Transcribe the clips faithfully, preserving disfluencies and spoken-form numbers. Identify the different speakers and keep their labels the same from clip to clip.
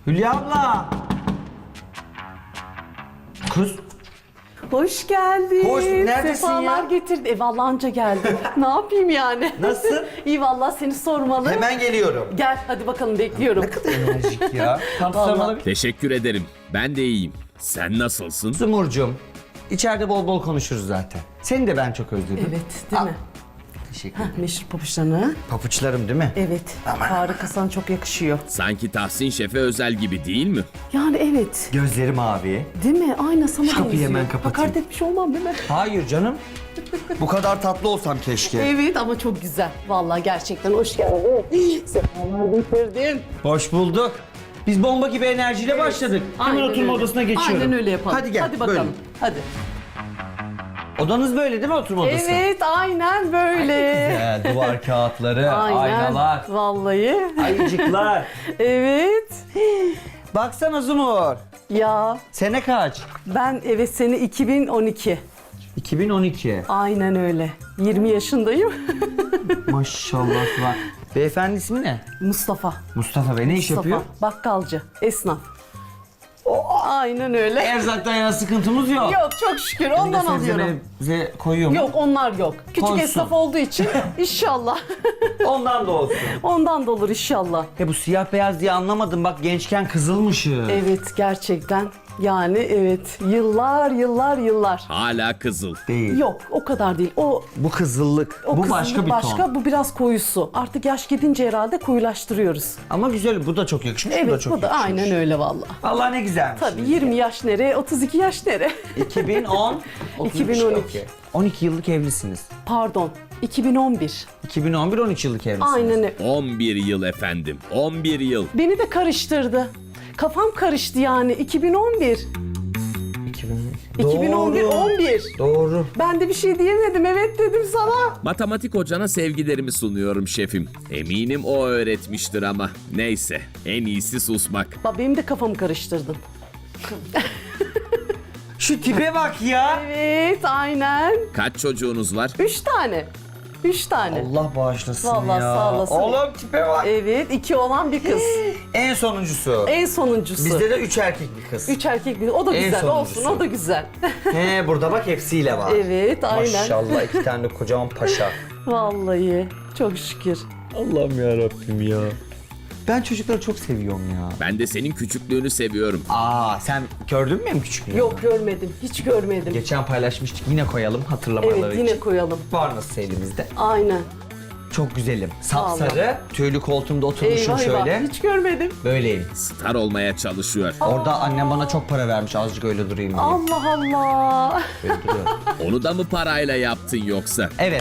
Speaker 1: Hülya abla. Kız.
Speaker 2: Hoş geldin.
Speaker 1: Hoş, neredesin
Speaker 2: Sefalar
Speaker 1: ya?
Speaker 2: getirdin. E vallahi anca geldim. Ne yapayım yani?
Speaker 1: Nasılsın?
Speaker 2: İyi vallahi seni sormalı.
Speaker 1: Hemen geliyorum.
Speaker 2: Gel hadi bakalım bekliyorum.
Speaker 1: Ne kadar enerjik ya. Tam
Speaker 2: Vallahi.
Speaker 1: sarmalı bir...
Speaker 3: Teşekkür ederim. Ben de iyiyim. Sen nasılsın?
Speaker 1: Zumurcuğum. İçeride bol bol konuşuruz zaten. Seni de ben çok özledim.
Speaker 2: Evet değil
Speaker 1: Al.
Speaker 2: mi?
Speaker 1: Teşekkür ederim.
Speaker 2: Meşhur papuçlarını.
Speaker 1: Papuçlarım değil mi?
Speaker 2: Evet. Harika, sana çok yakışıyor.
Speaker 3: Sanki Tahsin Şef'e özel gibi değil mi?
Speaker 2: Yani evet.
Speaker 1: Gözleri mavi.
Speaker 2: Değil mi? Aynen sana
Speaker 1: Şu kapıyı
Speaker 2: benziyor.
Speaker 1: hemen kapatayım.
Speaker 2: Hakaret etmiş olmam değil mi?
Speaker 1: Hayır canım. Bu kadar tatlı olsam keşke.
Speaker 2: Evet ama çok güzel. Vallahi gerçekten hoş geldin. Sefalar getirdin.
Speaker 1: Hoş bulduk. Biz bomba gibi enerjiyle başladık. Hemen
Speaker 2: Aynen
Speaker 1: oturma
Speaker 2: öyle.
Speaker 1: odasına geçiyorum.
Speaker 2: Aynen öyle yapalım.
Speaker 1: Hadi gel.
Speaker 2: Hadi bakalım.
Speaker 1: Böyle.
Speaker 2: Hadi.
Speaker 1: Odanız böyle değil mi, oturma odası?
Speaker 2: Evet aynen böyle.
Speaker 1: Güzel, duvar kağıtları,
Speaker 2: Aynen.
Speaker 1: aynalar,
Speaker 2: Vallahi.
Speaker 1: ayıcıklar.
Speaker 2: Evet.
Speaker 1: Baksana Zumur.
Speaker 2: Ya
Speaker 1: Sene kaç?
Speaker 2: ben evet sene iki bin on iki.
Speaker 1: iki bin on iki.
Speaker 2: Aynen öyle. yirmi yaşındayım.
Speaker 1: Maşallah var. Beyefendi ismi ne?
Speaker 2: Mustafa.
Speaker 1: Mustafa Bey. Ne iş
Speaker 2: Mustafa.
Speaker 1: yapıyor?
Speaker 2: Bakkalcı. Esnaf. Aynen öyle.
Speaker 1: Erzaktan yana sıkıntımız yok.
Speaker 2: Yok çok şükür ondan
Speaker 1: Bir de sebze
Speaker 2: alıyorum.
Speaker 1: mebze koyuyor mu?
Speaker 2: Yok onlar yok. Küçük
Speaker 1: Koysun.
Speaker 2: esnaf olduğu için inşallah.
Speaker 1: Ondan da olsun.
Speaker 2: Ondan da olur inşallah.
Speaker 1: Ya bu siyah beyaz diye anlamadım. Bak gençken kızılmışız.
Speaker 2: Evet gerçekten. Yani evet yıllar yıllar yıllar.
Speaker 3: Hala kızıl.
Speaker 1: Değil.
Speaker 2: Yok o kadar değil. O
Speaker 1: Bu kızıllık.
Speaker 2: o
Speaker 1: bu
Speaker 2: kızıllık
Speaker 1: başka bir
Speaker 2: başka,
Speaker 1: ton.
Speaker 2: bu biraz koyusu. Artık yaş gidince herhalde koyulaştırıyoruz.
Speaker 1: Ama güzel. Bu da çok yakışmış. bu da
Speaker 2: Evet
Speaker 1: çok
Speaker 2: bu da
Speaker 1: yakışmış.
Speaker 2: aynen öyle vallahi.
Speaker 1: Allah ne güzelmiş.
Speaker 2: Tabii yirmi yaş nere, otuz iki yaş nere?
Speaker 1: iki bin on.
Speaker 2: iki bin on iki.
Speaker 1: Okey. on iki yıllık evlisiniz.
Speaker 2: Pardon, iki bin on bir.
Speaker 1: iki bin on bir on üç yıllık evlisiniz.
Speaker 2: Aynen öyle.
Speaker 3: on bir yıl efendim. on bir yıl.
Speaker 2: Beni de karıştırdı. Kafam karıştı yani iki bin on bir.
Speaker 1: iki bin
Speaker 2: iki bin on bir on bir.
Speaker 1: Doğru.
Speaker 2: Ben de bir şey diyemedim. Evet dedim sana.
Speaker 3: Matematik hocana sevgilerimi sunuyorum şefim. Eminim o öğretmiştir ama. Neyse, en iyisi susmak.
Speaker 2: Bak benim de kafamı karıştırdın.
Speaker 1: Şu tipe bak ya.
Speaker 2: Evet, aynen.
Speaker 3: Kaç çocuğunuz var?
Speaker 2: Üç tane. Üç tane.
Speaker 1: Allah bağışlasın
Speaker 2: Vallahi
Speaker 1: ya.
Speaker 2: sağ olasın.
Speaker 1: Oğlum tipe bak.
Speaker 2: Evet, iki olan bir kız.
Speaker 1: En sonuncusu.
Speaker 2: En sonuncusu.
Speaker 1: Bizde de üç erkek bir kız.
Speaker 2: Üç erkek bir. O da
Speaker 1: En
Speaker 2: güzel
Speaker 1: sonuncusu.
Speaker 2: olsun. O da güzel.
Speaker 1: He burada bak hepsiyle var.
Speaker 2: Evet, aynen.
Speaker 1: Maşallah iki tane de kocaman paşa.
Speaker 2: Vallahi çok şükür.
Speaker 1: Allah'ım ya Rabbim ya. Ben çocukları çok seviyorum ya.
Speaker 3: Ben de senin küçüklüğünü seviyorum.
Speaker 1: Aa sen gördün mü benim küçüklüğümü?
Speaker 2: Yok görmedim. Hiç görmedim.
Speaker 1: Geçen paylaşmıştık, yine koyalım hatırlamaları
Speaker 2: Evet
Speaker 1: için.
Speaker 2: yine koyalım.
Speaker 1: Var nasıl elimizde?
Speaker 2: Aynen.
Speaker 1: Çok güzelim. Sapsarı, tüylü koltuğumda oturmuşum
Speaker 2: Eyvah eyvah.
Speaker 1: şöyle.
Speaker 2: Hiç görmedim.
Speaker 1: Böyleyim.
Speaker 3: Star olmaya çalışıyor.
Speaker 1: Orada annem bana çok para vermiş azıcık öyle durayım diye.
Speaker 2: Allah Allah.
Speaker 1: Böyle duruyorum.
Speaker 3: Onu da mı parayla yaptın yoksa?
Speaker 1: Evet.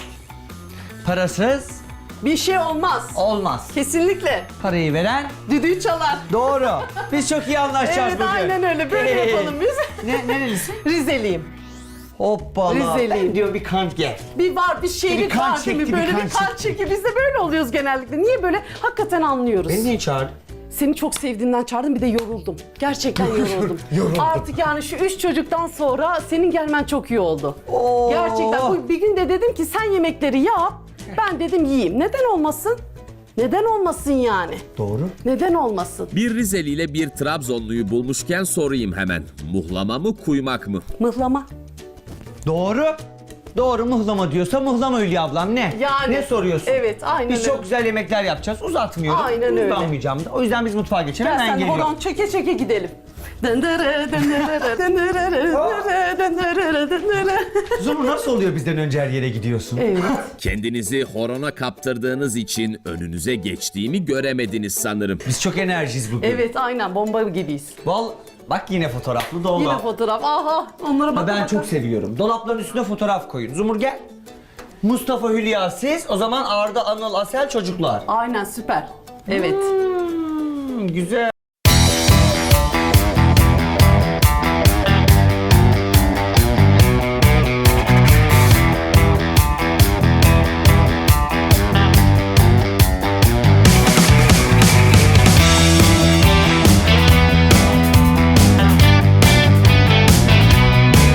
Speaker 1: Parasız
Speaker 2: Bir şey olmaz.
Speaker 1: olmaz.
Speaker 2: Kesinlikle.
Speaker 1: Parayı veren
Speaker 2: Düdüğü çalar.
Speaker 1: doğru. Biz çok iyi anlaşacağız
Speaker 2: Evet
Speaker 1: bugün.
Speaker 2: aynen öyle. Böyle
Speaker 1: Hey.
Speaker 2: yapalım biz.
Speaker 1: Ne, nerelisin?
Speaker 2: Rizeliyim.
Speaker 1: Hoppala.
Speaker 2: Rizeliyim.
Speaker 1: Ben diyor bir kant gel.
Speaker 2: Bir var bir şeylik
Speaker 1: Bir kan
Speaker 2: var değil mi?
Speaker 1: çekti, bir
Speaker 2: Böyle
Speaker 1: kan
Speaker 2: bir kan
Speaker 1: çekti.
Speaker 2: çeki. Biz de böyle oluyoruz genellikle. Niye böyle? Hakikaten anlıyoruz.
Speaker 1: Beni niye çağırdın?
Speaker 2: Seni çok sevdiğimden çağırdım bir de yoruldum. Gerçekten yoruldum.
Speaker 1: Yoruldum.
Speaker 2: Artık yani şu üç çocuktan sonra senin gelmen çok iyi oldu.
Speaker 1: Oo.
Speaker 2: Gerçekten bu bir gün de dedim ki sen yemekleri yap. Ben dedim yiyeyim. Neden olmasın? Neden olmasın yani?
Speaker 1: Doğru.
Speaker 2: Neden olmasın?
Speaker 3: Bir Rizeli ile bir Trabzonluyu bulmuşken sorayım hemen. Muhlama mı, kuymak mı?
Speaker 2: Mıhlama.
Speaker 1: Doğru. Doğru muhlama diyorsa muhlama Hülya ablam ne?
Speaker 2: Yani-
Speaker 1: Ne soruyorsun?
Speaker 2: Evet, aynen
Speaker 1: Biz
Speaker 2: öyle.
Speaker 1: çok güzel yemekler yapacağız. Uzatmıyorum.
Speaker 2: Aynen öyle.
Speaker 1: Uzanmayacağım da. O yüzden biz mutfağa geçelim.
Speaker 2: Gel
Speaker 1: Hemen
Speaker 2: sen de
Speaker 1: geliyorum.
Speaker 2: horon çeke çeke gidelim. Dındırı, dındırı, dındırı, dındırı, dındırı, dındırı.
Speaker 1: Zumur nasıl oluyor bizden önce her yere gidiyorsun?
Speaker 2: Evet.
Speaker 3: Kendinizi horona kaptırdığınız için önünüze geçtiğimi göremediniz sanırım.
Speaker 1: Biz çok enerjiyiz bugün.
Speaker 2: Evet aynen bomba gibiyiz.
Speaker 1: Val bak yine fotoğraflı dolap.
Speaker 2: Yine fotoğraf. Aha onlara
Speaker 1: Ha,
Speaker 2: bak.
Speaker 1: ben çok seviyorum. Dolapların üstüne fotoğraf koyun. Zumur gel. Mustafa, Hülya siz. O zaman Arda, Anıl, Asel çocuklar.
Speaker 2: Aynen süper. Evet.
Speaker 1: Hmm, güzel.